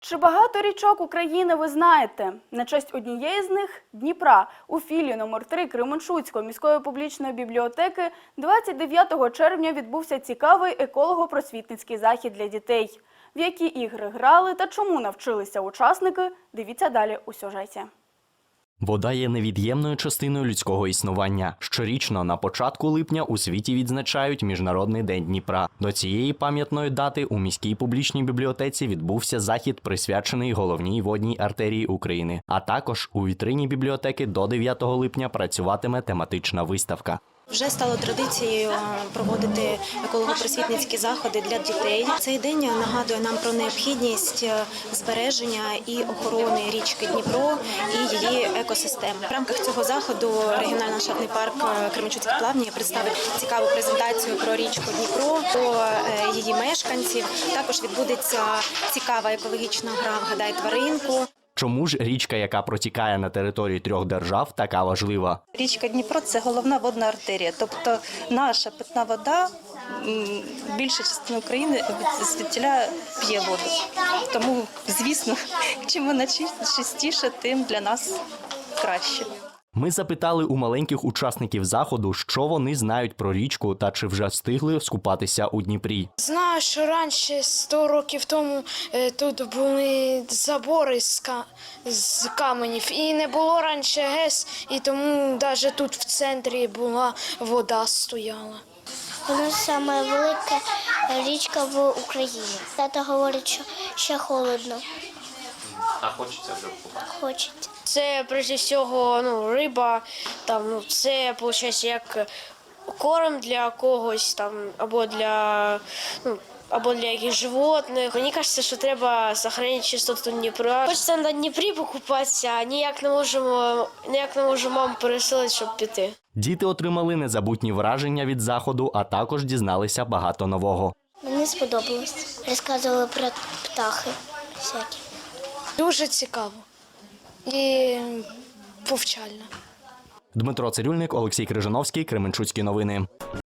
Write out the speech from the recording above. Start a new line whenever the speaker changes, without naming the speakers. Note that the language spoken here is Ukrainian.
Чи багато річок України ви знаєте? На честь однієї з них – Дніпра. У філії номер 3 Кременчуцької міської публічної бібліотеки 29 червня відбувся цікавий еколого-просвітницький захід для дітей. В які ігри грали та чому навчилися учасники – дивіться далі у сюжеті.
Вода є невід'ємною частиною людського існування. Щорічно на початку липня у світі відзначають Міжнародний день Дніпра. До цієї пам'ятної дати у міській публічній бібліотеці відбувся захід, присвячений головній водній артерії України. А також у вітрині бібліотеки до 9 липня працюватиме тематична виставка.
Вже стало традицією проводити еколого-просвітницькі заходи для дітей. Цей день нагадує нам про необхідність збереження і охорони річки Дніпро і її екосистем. В рамках цього заходу регіональний ландшафтний парк Кременчуцьке плавні представить цікаву презентацію про річку Дніпро, про її мешканців. Також відбудеться цікава екологічна гра «Вгадай тваринку».
Чому ж річка, яка протікає на території 3 держав, така важлива?
Річка Дніпро – це головна водна артерія, тобто наша питна вода, більша частина України звідтіля п'є воду. Тому, звісно, чим вона чистіша, тим для нас краще.
Ми запитали у маленьких учасників заходу, що вони знають про річку та чи вже встигли скупатися у Дніпрі.
Знаю, що раніше, 100 років тому, тут були забори з каменів. І не було раніше ГЕС, і тому навіть тут в центрі була вода стояла.
Вона саме велика річка в Україні. Тато говорить, що ще холодно.
А хочеться вже купати?
Хочеться.
Це, прежде всього, риба, це, виходить, як корм для когось, або для якихось животних. Мені кажеться, що треба зберігати чистоту Дніпра. Хочеться на Дніпрі покупатися, а ніяк не можемо маму пересилити, щоб піти.
Діти отримали незабутні враження від заходу, а також дізналися багато нового.
Мені сподобалось. Розказували про птахи всякі.
Дуже цікаво і повчально.
Дмитро Цирюльник, Олексій Крижановський, Кременчуцькі новини.